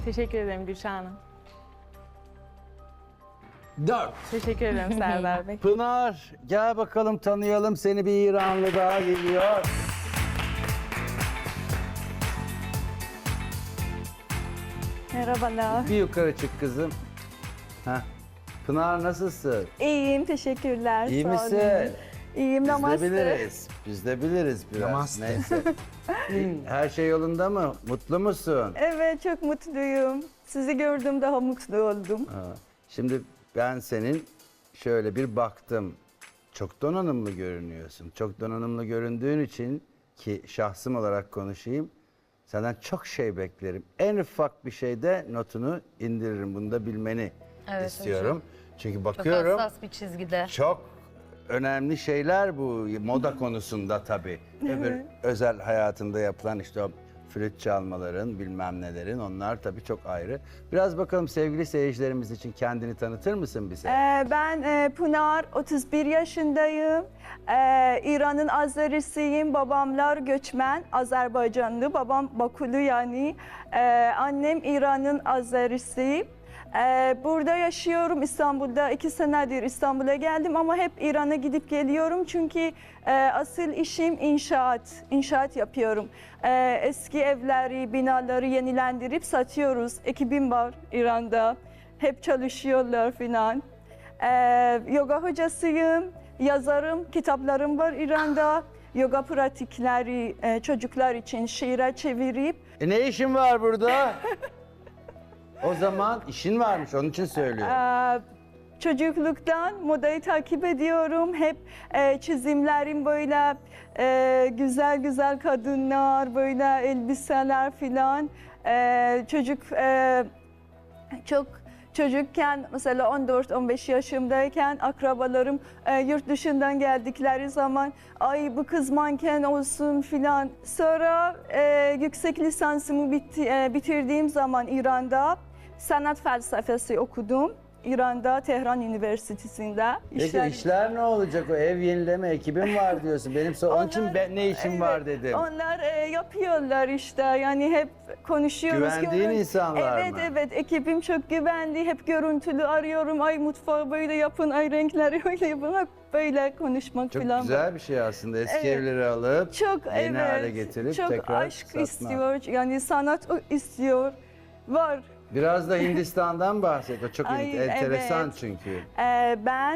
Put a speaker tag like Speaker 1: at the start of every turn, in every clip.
Speaker 1: Teşekkür ederim Gülşah Hanım.
Speaker 2: 4.
Speaker 1: Teşekkür ederim Serdar Bey.
Speaker 2: Pınar gel bakalım tanıyalım seni, bir İranlı daha geliyor.
Speaker 3: Merhabalar.
Speaker 2: Bir yukarı çık kızım. Heh. Pınar nasılsın?
Speaker 3: İyiyim, teşekkürler.
Speaker 2: İyi
Speaker 3: sağ olun.
Speaker 2: misin?
Speaker 3: İyiyim,
Speaker 2: Biz de
Speaker 3: namaste.
Speaker 2: biliriz. Biz de biliriz biraz.
Speaker 4: Namaste.
Speaker 2: Neyse. Her şey yolunda mı? Mutlu musun?
Speaker 3: Evet, çok mutluyum. Sizi gördüm, daha mutlu oldum.
Speaker 2: Ha. Şimdi ben senin şöyle bir baktım. Çok donanımlı görünüyorsun. Çok donanımlı göründüğün için ki şahsım olarak konuşayım. Senden çok şey beklerim. En ufak bir şeyde notunu indiririm. Bunu da bilmeni istiyorum. Çünkü
Speaker 5: Çok
Speaker 2: bakıyorum
Speaker 5: hassas bir çizgide.
Speaker 2: çok önemli şeyler bu moda konusunda tabii. Öbür özel hayatında yapılan işte o flüt çalmaların bilmem nelerin, onlar tabii çok ayrı. Biraz bakalım sevgili seyircilerimiz için kendini tanıtır mısın bize?
Speaker 3: Ben Pınar, 31 yaşındayım. İran'ın Azerisiyim. Babamlar göçmen, Azerbaycanlı. Babam Bakulu yani. Annem İran'ın Azerisi. Burada yaşıyorum İstanbul'da. 2 senedir İstanbul'a geldim ama hep İran'a gidip geliyorum. Çünkü asıl işim inşaat. İnşaat yapıyorum. Eski evleri, binaları yenilendirip satıyoruz. Ekibim var İran'da. Hep çalışıyorlar filan. Yoga hocasıyım, yazarım, kitaplarım var İran'da. Yoga pratikleri çocuklar için şiire çevirip.
Speaker 2: Ne işin var burada? O zaman işin varmış, onun için söylüyorum.
Speaker 3: Çocukluktan modayı takip ediyorum. Hep çizimlerim böyle güzel güzel kadınlar, böyle elbiseler filan. Çok çocukken mesela 14-15 yaşımdayken akrabalarım yurt dışından geldikleri zaman ay bu kız manken olsun filan. Sonra yüksek lisansımı bitirdiğim zaman İran'da sanat felsefesi okudum. İran'da Tehran Üniversitesi'nde.
Speaker 2: Peki işler ne olacak? O ev yenileme ekibim var diyorsun. Onun için ben ne işim var dedim.
Speaker 3: Onlar yapıyorlar işte, yani hep konuşuyoruz.
Speaker 2: Güvendiğin insanlar
Speaker 3: evet,
Speaker 2: mı?
Speaker 3: Evet, ekibim çok güvendi. Hep görüntülü arıyorum. Ay mutfağı böyle yapın, ay renkleri öyle yapın. Hep böyle konuşmak
Speaker 2: Çok
Speaker 3: falan.
Speaker 2: güzel bir şey aslında. Eski
Speaker 3: Evet.
Speaker 2: evleri alıp
Speaker 3: Çok
Speaker 2: yeni hale getirip
Speaker 3: çok
Speaker 2: tekrar
Speaker 3: aşk
Speaker 2: satmak.
Speaker 3: istiyor. Yani sanat istiyor. Var.
Speaker 2: Biraz da Hindistan'dan bahset. O çok
Speaker 3: Ay,
Speaker 2: enteresan
Speaker 3: evet.
Speaker 2: çünkü.
Speaker 3: Ben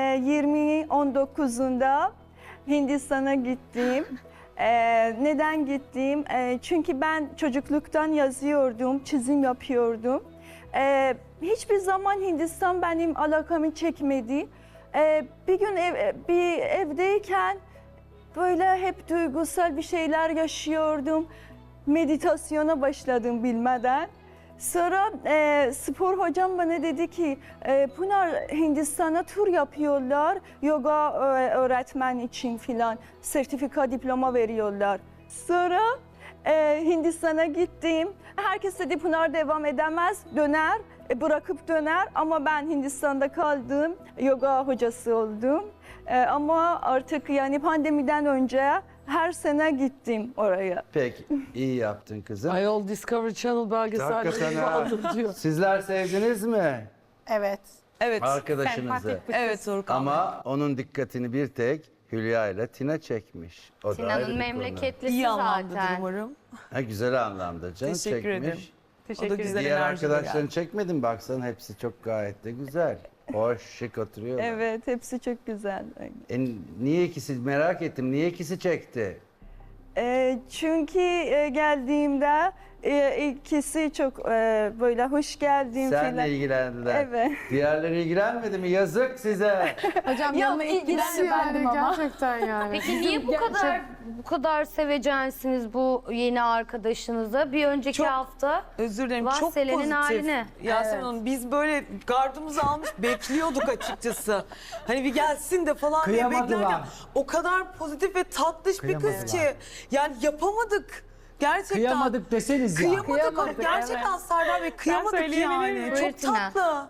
Speaker 3: 2019'unda Hindistan'a gittim. Neden gittim? Çünkü ben çocukluktan yazıyordum, çizim yapıyordum. Hiçbir zaman Hindistan benim alakamı çekmedi. Bir gün bir evdeyken böyle hep duygusal bir şeyler yaşıyordum. Meditasyona başladım bilmeden. Sonra spor hocam bana dedi ki Pınar, Hindistan'a tur yapıyorlar, yoga öğretmen için filan, sertifika, diploma veriyorlar. Sonra Hindistan'a gittim. Herkes dedi Pınar devam edemez, döner, bırakıp döner, ama ben Hindistan'da kaldım, yoga hocası oldum. Ama artık yani pandemiden önce her sene gittim oraya.
Speaker 2: Peki, iyi yaptın kızım.
Speaker 4: Ayol Discovery Channel belgeselleri
Speaker 2: Hakikaten ha.
Speaker 4: aldım diyor.
Speaker 2: Sizler sevdiniz mi
Speaker 6: Evet.
Speaker 4: Evet.
Speaker 2: arkadaşınızı?
Speaker 4: Evet Zorkan.
Speaker 2: Ama onun dikkatini bir tek Hülya ile Tina çekmiş. O da ayrı
Speaker 5: Tina'nın
Speaker 2: bir konu.
Speaker 5: memleketlisi
Speaker 4: İyi anlamdadır
Speaker 5: zaten.
Speaker 4: umarım.
Speaker 2: Ha, güzel anlamda canım
Speaker 4: Teşekkür
Speaker 2: çekmiş.
Speaker 4: ederim.
Speaker 1: Teşekkür
Speaker 4: güzel.
Speaker 1: ederim.
Speaker 2: Diğer
Speaker 4: enerjiyle
Speaker 2: arkadaşlarını
Speaker 4: geldi.
Speaker 2: çekmedin, baksan hepsi çok gayet de güzel. Hoş, şık oturuyorlar.
Speaker 3: Evet, hepsi çok güzel.
Speaker 2: Niye ikisi, merak ettim, niye ikisi çekti?
Speaker 3: Çünkü geldiğimde ikisi çok böyle hoş geldin
Speaker 2: Senle
Speaker 3: filan.
Speaker 2: ilgilendiler.
Speaker 3: Evet.
Speaker 2: Diğerleri ilgilenmedi mi? Yazık size.
Speaker 6: Hocam yanına ilk giden bendim ama. Gerçekten yani.
Speaker 5: Peki niye bu kadar sevecensiniz bu yeni arkadaşınıza? Bir önceki
Speaker 4: Çok
Speaker 5: hafta
Speaker 4: Özür dilerim,
Speaker 5: Vah,
Speaker 4: çok
Speaker 5: Selen'in
Speaker 4: pozitif.
Speaker 5: haline.
Speaker 4: Yasemin Hanım, biz böyle gardımızı almış bekliyorduk açıkçası. Hani bir gelsin de falan diye
Speaker 7: Kıyamadılar.
Speaker 4: beklerken o kadar pozitif ve tatlış bir kız ki yani yapamadık. Gerçekten.
Speaker 7: Kıyamadık deseniz ya.
Speaker 4: Kıyamadık. Gerçekten Serdar Bey, kıyamadık
Speaker 1: söyleyebilir
Speaker 4: yani.
Speaker 1: miyim?
Speaker 5: Buyur
Speaker 4: Çok
Speaker 5: Tina.
Speaker 4: tatlı.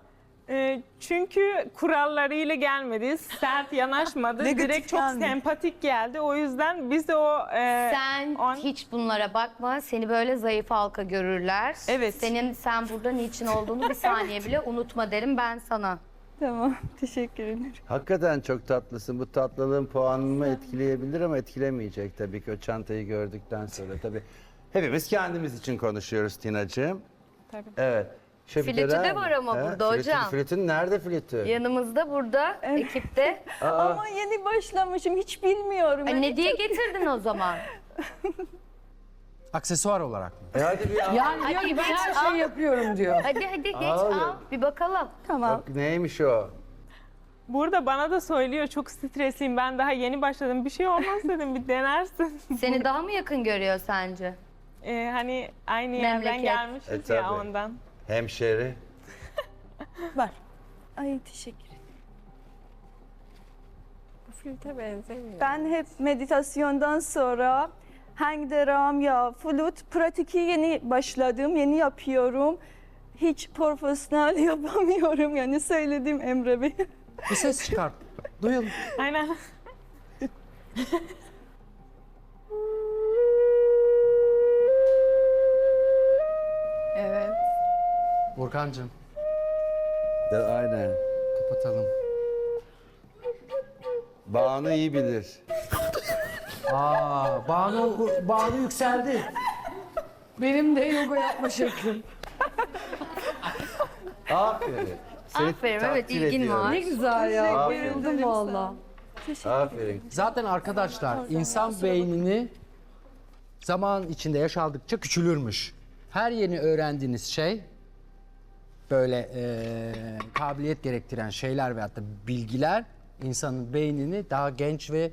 Speaker 1: Çünkü kurallarıyla gelmedi, sert yanaşmadı.
Speaker 4: Negatif
Speaker 1: Direkt çok
Speaker 4: gelmedi.
Speaker 1: sempatik geldi. O yüzden biz de o...
Speaker 5: Sen
Speaker 1: on-
Speaker 5: hiç bunlara bakma. Seni böyle zayıf halka görürler.
Speaker 4: Evet.
Speaker 5: Sen burada niçin olduğunu bir saniye bile unutma derim ben sana.
Speaker 3: Tamam, teşekkür ederim.
Speaker 2: Hakikaten çok tatlısın. Bu tatlılığın puanımı etkileyebilir ama etkilemeyecek tabii ki o çantayı gördükten sonra. Tabii hepimiz kendimiz için konuşuyoruz Tina'cığım.
Speaker 1: Tabii.
Speaker 2: Evet.
Speaker 5: Flütü de var ama burada hocam.
Speaker 2: Flütün nerede flütü?
Speaker 5: Yanımızda burada ekipte.
Speaker 3: Ama yeni başlamışım, hiç bilmiyorum.
Speaker 5: Ay, ne diye getirdin o zaman?
Speaker 7: Aksesuar olarak mı?
Speaker 2: Hadi bir al.
Speaker 6: Yani diyor ki ben her şeyi yapıyorum diyor.
Speaker 5: Hadi geç
Speaker 2: Al.
Speaker 5: al bir bakalım.
Speaker 3: Tamam.
Speaker 2: Bak neymiş o?
Speaker 1: Burada bana da söylüyor, çok stresliyim. Ben daha yeni başladım. Bir şey olmaz dedim, bir denersin.
Speaker 5: Seni daha mı yakın görüyor sence?
Speaker 1: Hani aynı yerden
Speaker 5: Memleket.
Speaker 1: gelmişiz
Speaker 2: tabii.
Speaker 1: ya ondan.
Speaker 2: Hemşeri.
Speaker 3: Ay teşekkür ederim.
Speaker 1: Bu flüte benzemiyor.
Speaker 3: Ben hep meditasyondan sonra hangi deram ya flüt pratiki yeni başladım, yeni yapıyorum. Hiç profesyonel yapamıyorum yani söyledim Emre Bey.
Speaker 7: Bir ses çıkart. Duyalım.
Speaker 1: Aynen.
Speaker 6: Evet.
Speaker 7: Burkancığım
Speaker 2: Aynen.
Speaker 7: kapatalım.
Speaker 2: Banu iyi bilir.
Speaker 7: Banu yükseldi.
Speaker 6: Benim de yoga yapma şeklim.
Speaker 2: Aferin. Seni
Speaker 5: Aferin, evet,
Speaker 2: takdir
Speaker 5: ilgin
Speaker 2: ediyorum.
Speaker 5: var.
Speaker 6: Ne güzel ya.
Speaker 2: Aferin.
Speaker 6: Bayıldım valla.
Speaker 2: Aferin.
Speaker 7: Zaten arkadaşlar insan beynini zaman içinde yaş aldıkça küçülürmüş. Her yeni öğrendiğiniz şey böyle kabiliyet gerektiren şeyler veyahut da bilgiler insanın beynini daha genç ve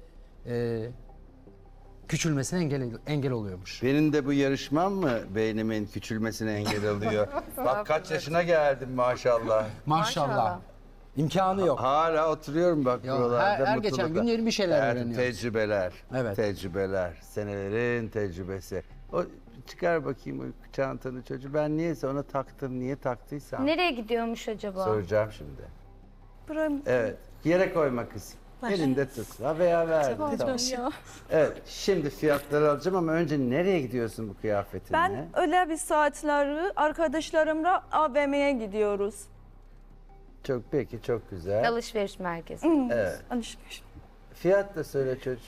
Speaker 7: küçülmesine engel oluyormuş.
Speaker 2: Benim de bu yarışmam mı beynimin küçülmesine engel oluyor? Bak kaç yaşına geldim maşallah.
Speaker 7: Maşallah. İmkanı yok.
Speaker 2: Hala oturuyorum bak
Speaker 7: Ya,
Speaker 2: buralarda
Speaker 7: her geçen
Speaker 2: mutlulukla.
Speaker 7: gün yeni bir şeyler
Speaker 2: Evet,
Speaker 7: öğreniyoruz.
Speaker 2: Tecrübeler.
Speaker 7: Evet.
Speaker 2: Tecrübeler. Senelerin tecrübesi. O çıkar bakayım o çantanı çocuğu. Ben niyeyse ona taktım. Niye taktıysam.
Speaker 5: Nereye gidiyormuş acaba?
Speaker 2: Soracağım şimdi.
Speaker 3: Buram
Speaker 2: Evet. Yere koyma kızım. Elinde tut. Ha veya ver. Tamam.
Speaker 3: ya.
Speaker 2: Evet. Şimdi fiyatları alacağım ama önce nereye gidiyorsun bu kıyafetinle?
Speaker 3: Ben öyle bir saatleri arkadaşlarımla AVM'ye gidiyoruz.
Speaker 2: Çok peki çok güzel.
Speaker 5: Alışveriş merkezi.
Speaker 2: Evet.
Speaker 3: Alışveriş.
Speaker 2: Fiyat da söyle çocuğum.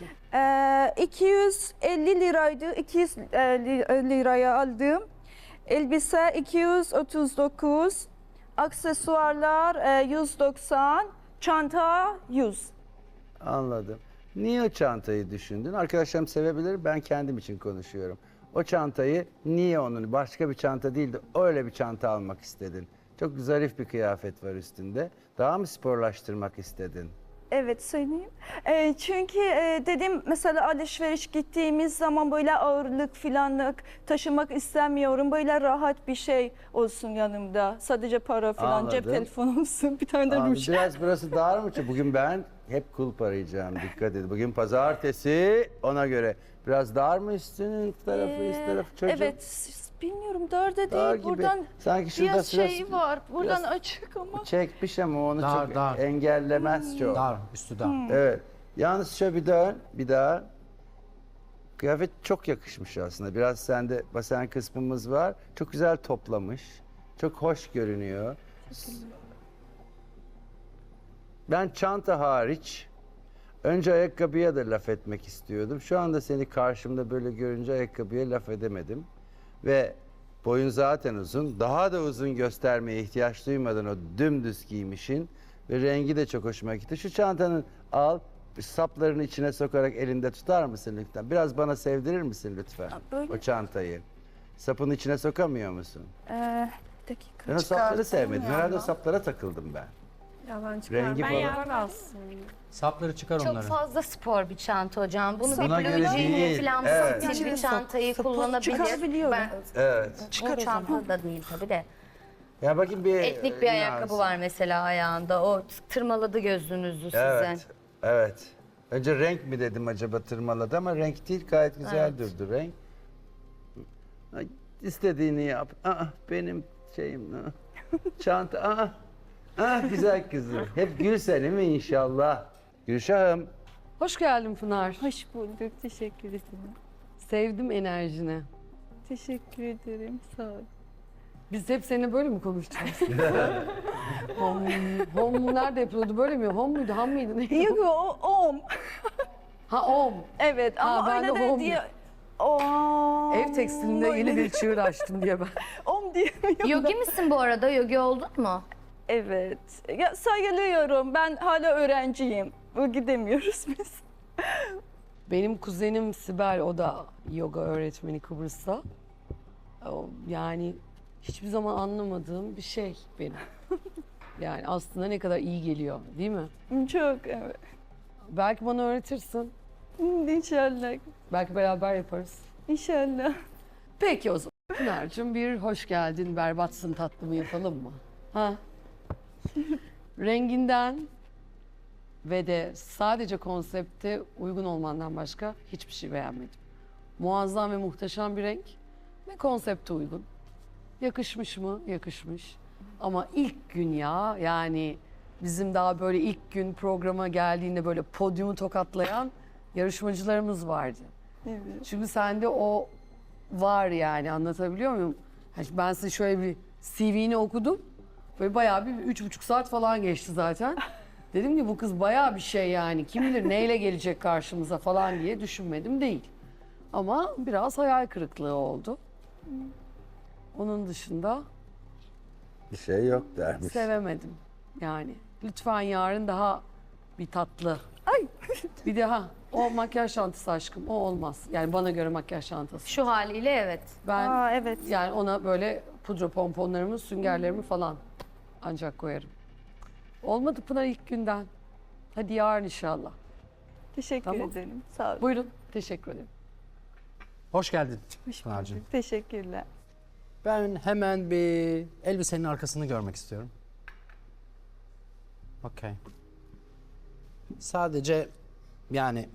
Speaker 3: 250 liraydı. 200 liraya aldım. Elbise 239. Aksesuarlar 190. Çanta 100.
Speaker 2: Anladım. Niye o çantayı düşündün? Arkadaşlarım sevebilir, ben kendim için konuşuyorum. O çantayı niye onun başka bir çanta değil de öyle bir çanta almak istedin? Çok zarif bir kıyafet var üstünde. Daha mı sporlaştırmak istedin?
Speaker 3: Evet söyleyeyim. Çünkü dedim mesela alışveriş gittiğimiz zaman böyle ağırlık filanlık taşımak istemiyorum. Böyle rahat bir şey olsun yanımda. Sadece para falan, cep
Speaker 2: Anladım.
Speaker 3: telefonu olsun, bir tane de
Speaker 2: Abi,
Speaker 3: ruj.
Speaker 2: biraz burası dar mı? Bugün ben hep kulp arayacağım, dikkat edin. Bugün pazartesi, ona göre. Biraz dar mı üstünün tarafı, üst tarafı çocuğum?
Speaker 3: Evet, bilmiyorum dar da
Speaker 2: Dar
Speaker 3: değil.
Speaker 2: gibi.
Speaker 3: Buradan
Speaker 2: Sanki şurada
Speaker 3: biraz
Speaker 2: biraz-
Speaker 3: şey var. Buradan
Speaker 2: biraz-
Speaker 3: açık ama.
Speaker 2: Çekmiş ama onu
Speaker 7: Dar,
Speaker 2: çok
Speaker 7: dar.
Speaker 2: engellemez çok.
Speaker 7: Dar, üstü dar.
Speaker 2: Evet. Yalnız şöyle bir dön, bir daha. Kıyafet çok yakışmış aslında. Biraz sende basen kısmımız var. Çok güzel toplamış. Çok hoş görünüyor. Ben çanta hariç önce ayakkabıya da laf etmek istiyordum. Şu anda seni karşımda böyle görünce ayakkabıya laf edemedim. Ve boyun zaten uzun. Daha da uzun göstermeye ihtiyaç duymadan o dümdüz giymişin. Ve rengi de çok hoşuma gitti. Şu çantanın al, saplarını içine sokarak elinde tutar mısın lütfen? Biraz bana sevdirir misin lütfen
Speaker 3: böyle.
Speaker 2: o çantayı? Sapın içine sokamıyor musun?
Speaker 3: Bir dakika.
Speaker 2: Ben o sapları sevmedim. Herhalde o saplara takıldım ben.
Speaker 1: Ya ben
Speaker 2: Rengi
Speaker 1: Ben
Speaker 2: falan.
Speaker 1: yapmazsın.
Speaker 7: Sapları çıkar
Speaker 5: Çok
Speaker 7: onları.
Speaker 5: fazla spor bir çanta hocam. Bunu
Speaker 2: Buna
Speaker 5: bir
Speaker 2: göre
Speaker 5: blue jean'le
Speaker 2: değil.
Speaker 5: falan
Speaker 2: Evet.
Speaker 5: stil bir çantayı kullanabilir.
Speaker 3: çıkarabiliyorum.
Speaker 5: Ben,
Speaker 2: Evet.
Speaker 5: o çanta da değil tabii de.
Speaker 2: Ya bakayım bir
Speaker 5: Etnik bir ayakkabı var mesela ayağında. O tırmaladı gözünüzü sizin.
Speaker 2: Evet. Evet. Önce renk mi dedim acaba tırmaladı ama renk değil, gayet güzel durdu renk. Ay, İstediğini yap. Aa, benim şeyim. Çanta. Aa. Ah güzel kızım. Hep gül seni mi inşallah? Gülşah'ım.
Speaker 8: Hoş geldin Pınar.
Speaker 3: Hoş bulduk. Teşekkür ederim.
Speaker 8: Sevdim enerjini.
Speaker 3: Teşekkür ederim. Sağ ol.
Speaker 8: Biz hep seninle böyle mi konuşacağız? Hom nerede yapılıyordu? Böyle mi? Hom muydu? Ham mıydı? Neydi?
Speaker 3: Yok o om.
Speaker 8: Ha om.
Speaker 3: Evet
Speaker 8: Ha,
Speaker 3: ama
Speaker 8: ben de
Speaker 3: öyle de
Speaker 8: home
Speaker 3: diye... Om.
Speaker 8: Ev tekstilinde yeni bir çığır açtım diye ben.
Speaker 3: Om diyemiyorum.
Speaker 5: Yogi misin bu arada? Yogi oldun mu?
Speaker 3: Evet. Ya sayılıyorum. Ben hala öğrenciyim. Gidemiyoruz biz.
Speaker 8: Benim kuzenim Sibel, o da yoga öğretmeni Kıbrıs'ta. Yani hiçbir zaman anlamadığım bir şey benim. Yani aslında ne kadar iyi geliyor, değil mi?
Speaker 3: Çok evet.
Speaker 8: Belki bana öğretirsin.
Speaker 3: İnşallah.
Speaker 8: Belki beraber yaparız.
Speaker 3: İnşallah.
Speaker 8: Peki o zaman. Pınar'cığım bir hoş geldin, berbatsın tatlımı yapalım mı? Ha? Renginden ve de sadece konsepte uygun olmandan başka hiçbir şey beğenmedim. Muazzam ve muhteşem bir renk ve konsepte uygun. Yakışmış mı? Yakışmış. Ama ilk gün ya, yani bizim daha böyle ilk gün programa geldiğinde böyle podyumu tokatlayan yarışmacılarımız vardı.
Speaker 3: Evet.
Speaker 8: Şimdi sende o var, yani anlatabiliyor muyum? Yani ben size şöyle bir CV'ni okudum. Böyle bayağı bir 3,5 saat falan geçti zaten. Dedim ki bu kız bayağı bir şey yani. Kim bilir neyle gelecek karşımıza falan diye düşünmedim değil. Ama biraz hayal kırıklığı oldu. Onun dışında
Speaker 2: Bir şey yok dermiş.
Speaker 8: sevemedim yani. Lütfen yarın daha bir tatlı. Ay. Bir daha o makyaj çantası aşkım, o olmaz. Yani bana göre makyaj çantası.
Speaker 5: Şu haliyle evet.
Speaker 8: Ben
Speaker 3: Aa, evet.
Speaker 8: yani ona böyle pudra pomponlarımı, süngerlerimi falan ancak koyarım. Olmadı Pınar ilk günden. Hadi yarın inşallah.
Speaker 3: Teşekkür
Speaker 8: Tamam.
Speaker 3: ederim. Sağ ol.
Speaker 8: Buyurun. Teşekkür ederim.
Speaker 7: Hoş geldin
Speaker 3: Hoş
Speaker 7: Pınar'cığım.
Speaker 3: bulduk. Teşekkürler.
Speaker 7: Ben hemen bir elbisenin arkasını görmek istiyorum. Okey. Sadece yani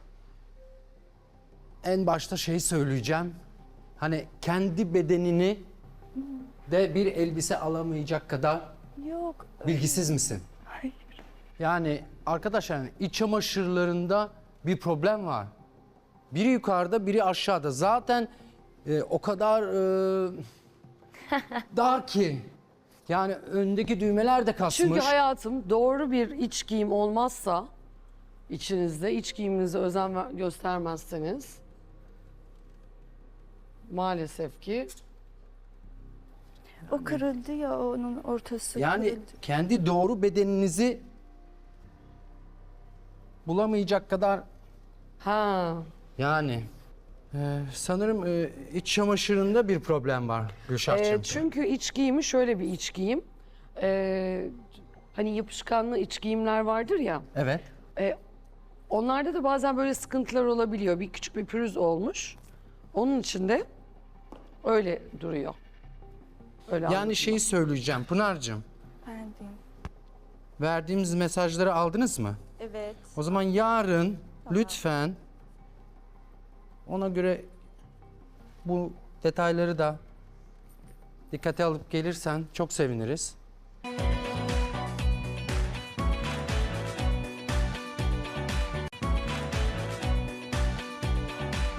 Speaker 7: en başta şey söyleyeceğim. Hani kendi bedenini de bir elbise alamayacak kadar
Speaker 3: Yok.
Speaker 7: bilgisiz misin?
Speaker 3: Hayır.
Speaker 7: Yani arkadaşlar yani iç çamaşırlarında bir problem var. Biri yukarıda, biri aşağıda. Zaten o kadar dar ki. Yani öndeki düğmeler de kasmış.
Speaker 8: Çünkü hayatım, doğru bir iç giyim olmazsa içinizde, iç giyiminize özen göstermezseniz maalesef ki
Speaker 3: O kırıldı ya, onun ortası
Speaker 7: Yani
Speaker 3: kırıldı.
Speaker 7: kendi doğru bedeninizi bulamayacak kadar
Speaker 8: ha
Speaker 7: yani sanırım iç çamaşırında bir problem var Gülşah'cığım.
Speaker 8: çünkü iç giyimi şöyle bir iç giyim. Hani yapışkanlı iç giyimler vardır ya.
Speaker 7: Evet.
Speaker 8: Onlarda da bazen böyle sıkıntılar olabiliyor. Bir küçük bir pürüz olmuş. Onun için de öyle duruyor. Öyle
Speaker 7: Yani
Speaker 8: anladım.
Speaker 7: şeyi söyleyeceğim Pınar'cığım.
Speaker 3: Ben diyeyim.
Speaker 7: Verdiğimiz mesajları aldınız mı?
Speaker 3: Evet.
Speaker 7: O zaman yarın lütfen ona göre bu detayları da dikkate alıp gelirsen çok seviniriz.